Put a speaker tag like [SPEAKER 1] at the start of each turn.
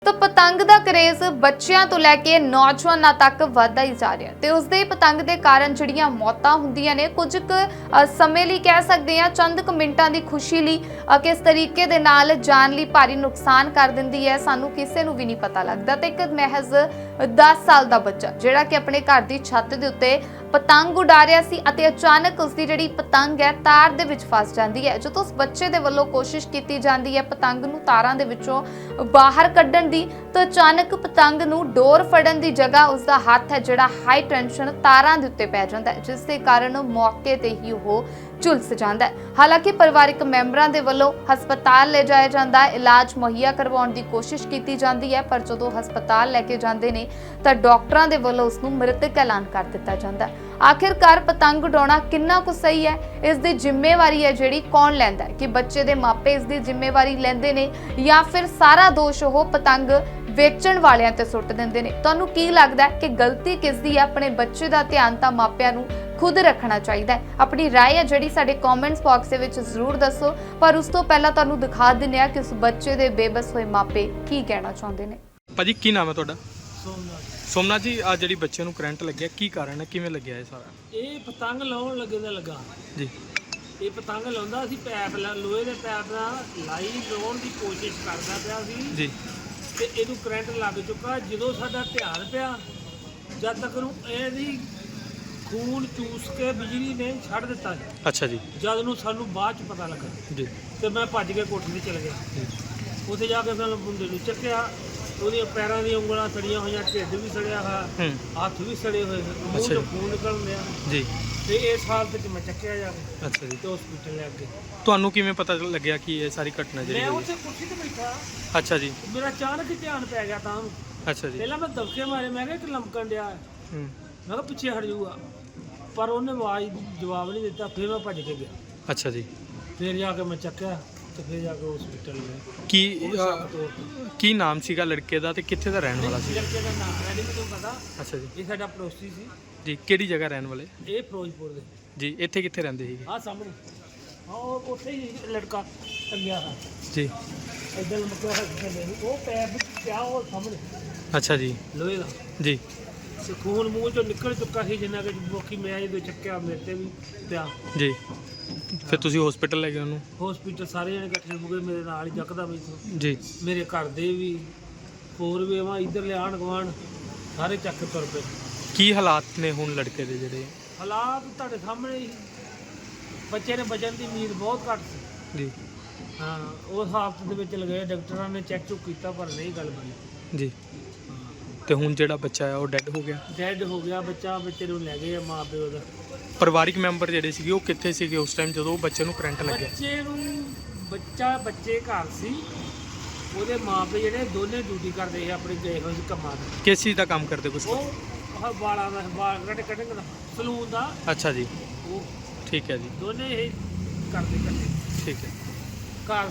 [SPEAKER 1] तो पतंग का क्रेज़ बच्चों तो लैके नौजवानों तक वधदा ही जा रहा है तो उसके पतंग के कारण जिहड़ियां मौतां हुंदियां ने कुछ समय लिए कह सकते हैं चंद क मिनटां की खुशी ली किस तरीके दे नाल जान ली भारी नुकसान कर दिंदी है सानू किसी नूं भी नहीं पता लगता। तो एक महज 10 साल का बच्चा जिहड़ा कि अपने घर की छत के उत्ते पतंग उड़ा रहा सी अते अचानक उसकी जिहड़ी पतंग है तार दे विच फस जाती है। जो उस बच्चे दे वल्लों कोशिश की जाती है पतंग नूं तारां दे विचों बाहर कड्ढण दी तो अचानक पतंग नूं डोर फड़न की जगह उसका हाथ है जिहड़ा हाई टेंशन तारां दे उत्ते पै जांदा है जिस दे कारण मौके ते ही वो झुलस जांदा है। हालांकि परिवारक मैंबरां दे वल्लों हस्पताल ले जाया जांदा है इलाज मुहैया करवाउण दी कोशिश की जाती है पर जदों हस्पताल लैके जांदे ने तां डॉक्टरां दे वल्लों उसनूं मृतक ऐलान कर दिता जांदा है। आखिरकार पतंग उड़ाउणा किन्ना कुछ सही है इस दी जिम्मेवारी है जिहड़ी कौन लैंदा है कि बच्चे दे मापे इस दी जिम्मेवारी लैंदे ने या फिर सारा दोष वो पतंग वेचण वालियां ते सुੱਟ दिंदे ने। तुहानूं की लगदा है कि गलती किस दी है? अपने बच्चे दा ध्यान तां मापिआं नूं खुद रखना चाहिए। अपनी राय है जिहड़ी साडे कमेंट्स बॉक्स दे विच जरूर दसो पर उस तो पहला तुहानूं दिखा दिंदे आ कि उस बच्चे दे बेबस होए मापे की कहना चाहुंदे ने।
[SPEAKER 2] भाजी की नाम है तुहाडा? सोमनाथ जी आ जिहड़ी बच्चे नूं करंट लग्गिआ की कारण है किवें लग्गिआ ये सारा?
[SPEAKER 3] ਇਹ ਪਤੰਗ ਲਾਉਣ ਲੱਗੇ ਦਾ ਲੱਗਾ
[SPEAKER 2] जी
[SPEAKER 3] ਇਹ ਪਤੰਗ ਲਾਉਂਦਾ ਸੀ ਪੈਪ ਲੋਹੇ ਦੇ ਪੈਪ ਨਾਲ ਲਾਈ ਲਾਉਣ ਦੀ ਕੋਸ਼ਿਸ਼ ਕਰਦਾ ਪਿਆ ਸੀ
[SPEAKER 2] जी
[SPEAKER 3] ਤੇ ਇਹਨੂੰ ਕਰੰਟ ਲੱਗ ਚੁੱਕਾ। ਜਦੋਂ ਸਾਡਾ ਧਿਆਨ ਪਿਆ ਜਦ ਤੱਕ ਨੂੰ ਇਹਦੀ ਖੂਨ ਚੂਸ ਕੇ ਬਿਜਲੀ ਨੇ ਛੱਡ ਦਿੱਤਾ ਸੀ।
[SPEAKER 2] अच्छा जी
[SPEAKER 3] ਜਦ ਨੂੰ ਸਾਨੂੰ ਬਾਅਦ ਚ ਪਤਾ ਲੱਗਾ
[SPEAKER 2] जी
[SPEAKER 3] ਤੇ ਮੈਂ ਭੱਜ ਕੇ ਕੋਠੀ ਤੇ ਚਲ ਗਿਆ।
[SPEAKER 2] जी
[SPEAKER 3] ਉੱਥੇ ਜਾ ਕੇ ਫਿਰ ਮੁੰਡੇ ਨੂੰ ਚੱਕਿਆ ਉਹਦੀਆਂ ਪੈਰਾਂ ਦੀਆਂ ਉਂਗਲਾਂ ਸੜੀਆਂ ਹੋਈਆਂ ਢਿੱਡ ਵੀ ਸੜਿਆ ਹੋਇਆ ਹੱਥ ਵੀ ਸੜੇ ਹੋਏ ਮੂੰਹ
[SPEAKER 2] ਅੱਛਾ
[SPEAKER 3] ਤੋਂ
[SPEAKER 2] ਜੀ।
[SPEAKER 3] ਖੂਨ ਨਿਕਲਣ ਡਿਆ
[SPEAKER 2] जी
[SPEAKER 3] ਤੇ ਇਸ ਹਾਲਤ 'ਚ ਮੈਂ ਚੱਕਿਆ ਜਾ ਕੇ
[SPEAKER 2] अच्छा जी
[SPEAKER 3] ਤੇ ਹਸਪੀਟਲ ਲੈ ਕੇ
[SPEAKER 2] ਤੁਹਾਨੂੰ ਕਿਵੇਂ ਪਤਾ ਲੱਗਿਆ ਕਿ ਇਹ ਸਾਰੀ ਘਟਨਾ ਜਿਹੜੀ
[SPEAKER 3] ਮੈਂ
[SPEAKER 2] ਹੋਈ?
[SPEAKER 3] ਉੱਥੇ ਕੁਰਸੀ ਤੇ ਬੈਠਾ
[SPEAKER 2] ਅੱਛਾ ਜੀ
[SPEAKER 3] ਮੇਰਾ ਅਚਾਨਕ ਹੀ ਧਿਆਨ ਪੈ ਗਿਆ ਤਾਂ
[SPEAKER 2] ਅੱਛਾ ਜੀ
[SPEAKER 3] ਪਹਿਲਾਂ ਮੈਂ ਦਬਕੇ ਮਾਰੇ ਮੈਂ ਕਿਹਾ ਇੱਕ ਲਮਕਣ ਡਿਆ
[SPEAKER 2] ਹੂੰ
[SPEAKER 3] ਮੈਂ ਕਿਹਾ ਪਿੱਛੇ ਹਟ ਜਾਊਗਾ ਪਰ ਉਹਨੇ ਆਵਾਜ਼ ਜਵਾਬ ਨਹੀਂ ਦਿੱਤਾ। ਫਿਰ ਮੈਂ ਭੱਜ ਕੇ ਗਿਆ
[SPEAKER 2] ਅੱਛਾ ਜੀ
[SPEAKER 3] ਫਿਰ ਜਾ ਕੇ ਮੈਂ ਚੱਕਿਆ ਤੇ ਫਿਰ ਜਾ ਕੇ ਹਸਪੀਟਲ ਗਏ।
[SPEAKER 2] ਕੀ ਕੀ ਨਾਮ ਸੀਗਾ ਲੜਕੇ ਦਾ ਤੇ ਕਿੱਥੇ ਦਾ ਰਹਿਣ ਵਾਲਾ ਸੀ?
[SPEAKER 3] ਲੜਕੇ ਦਾ ਨਾਮ ਹੈ ਨਹੀਂ ਮੈਨੂੰ ਪਤਾ।
[SPEAKER 2] ਅੱਛਾ ਜੀ
[SPEAKER 3] ਇਹ ਸਾਡਾ ਪੜੋਸੀ ਸੀ।
[SPEAKER 2] ਜੀ ਕਿਹੜੀ ਜਗ੍ਹਾ ਰਹਿਣ ਵਾਲੇ?
[SPEAKER 3] ਇਹ ਫਿਰੋਜ਼ਪੁਰ ਦੇ
[SPEAKER 2] ਜੀ ਇੱਥੇ ਕਿੱਥੇ ਰਹਿੰਦੇ ਸੀਗੇ?
[SPEAKER 3] ਆਹ ਸਾਹਮਣੇ ਹਾਂ ਉਹ ਉੱਥੇ ਹੀ ਲੜਕਾ ਟੰਗਿਆ ਹੈ
[SPEAKER 2] ਜੀ
[SPEAKER 3] ਇੱਧਰ ਲਮਕਿਆ ਹੋਇਆ ਉਹ ਪੈਰ ਵਿੱਚ ਪਿਆ ਉਹ ਸਾਹਮਣੇ
[SPEAKER 2] ਅੱਛਾ ਜੀ
[SPEAKER 3] ਲੋਹੇ ਦਾ
[SPEAKER 2] ਜੀ
[SPEAKER 3] ਤੇ ਖੂਨ ਮੂੰਹ ਚੋਂ ਨਿਕਲ ਚੁੱਕਾ ਸੀ ਜਿੰਨਾ ਕਿ ਬਾਕੀ ਮੈਂ ਜਦੋਂ ਚੱਕਿਆ ਮੇਰੇ ਤੇ ਵੀ ਪਿਆ।
[SPEAKER 2] ਜੀ ਫਿਰ ਤੁਸੀਂ ਹਸਪੀਟਲ ਲੈ ਗਏ ਉਹਨੂੰ?
[SPEAKER 3] ਹਸਪੀਟਲ ਸਾਰੇ ਜਣੇ ਇਕੱਠੇ ਹੋ ਗਏ ਮੇਰੇ ਨਾਲ ਹੀ ਜੱਕਦਾ ਵੀ
[SPEAKER 2] ਜੀ
[SPEAKER 3] ਮੇਰੇ ਘਰ ਦੇ ਵੀ ਹੋਰ ਵੀ ਆਵਾਂ ਇੱਧਰ ਲਿਆਣ ਗਵਾਣ ਸਾਰੇ ਚੱਕ ਕੇ ਤੁਰ ਪਏ।
[SPEAKER 2] ਕੀ ਹਾਲਾਤ ਨੇ ਹੁਣ ਲੜਕੇ ਦੇ ਜਿਹੜੇ?
[SPEAKER 3] ਹਾਲਾਤ ਤੁਹਾਡੇ ਸਾਹਮਣੇ ਹੀ ਬੱਚੇ ਨੇ ਬਚਣ ਦੀ ਉਮੀਦ ਬਹੁਤ ਘੱਟ ਸੀ।
[SPEAKER 2] ਜੀ
[SPEAKER 3] ਹਾਂ ਉਸ ਹਾਲਤ ਦੇ ਵਿੱਚ ਲਗਾਏ ਡਾਕਟਰਾਂ ਨੇ ਚੈੱਕ ਚੁੱਕ ਕੀਤਾ ਪਰ ਨਹੀਂ ਗੱਲ ਬਣੀ।
[SPEAKER 2] ਜੀ ਤੇ ਹੁਣ ਜਿਹੜਾ ਬੱਚਾ ਆ ਉਹ ਡੈੱਡ ਹੋ ਗਿਆ?
[SPEAKER 3] ਡੈਡ ਹੋ ਗਿਆ ਬੱਚਾ। ਬੱਚੇ ਨੂੰ ਲੈ ਗਏ ਆ ਮਾਂ ਪਿਓ ਦਾ।
[SPEAKER 2] ਪਰਿਵਾਰਿਕ ਮੈਂਬਰ ਜਿਹੜੇ ਸੀਗੇ ਉਹ ਕਿੱਥੇ ਸੀਗੇ ਉਸ ਟਾਈਮ ਜਦੋਂ ਉਹ ਬੱਚੇ ਨੂੰ ਕਰੰਟ ਲੱਗਿਆ?
[SPEAKER 3] ਬੱਚੇ ਘਰ ਸੀ ਉਹਦੇ ਮਾਂ ਪਿਓ ਜਿਹੜੇ ਦੋਨੇ ਡਿਊਟੀ ਕਰਦੇ ਸੀ ਆਪਣੇ ਗਏ ਹੋਏ ਸੀ ਕੰਮਾਂ ਤੇ।
[SPEAKER 2] ਕਿਸ ਚੀਜ਼ ਦਾ ਕੰਮ ਕਰਦੇ ਕੁਛ?
[SPEAKER 3] ਉਹ ਵਾਲਾਂ ਦਾ ਵਾਲ ਕਟਿੰਗ ਦਾ ਸਲੂਨ ਦਾ।
[SPEAKER 2] ਅੱਛਾ ਜੀ
[SPEAKER 3] ਉਹ
[SPEAKER 2] ਠੀਕ ਹੈ ਜੀ
[SPEAKER 3] ਦੋਨੇ ਇਹ ਕਰਦੇ
[SPEAKER 2] ਠੀਕ ਹੈ।
[SPEAKER 3] ਘਰ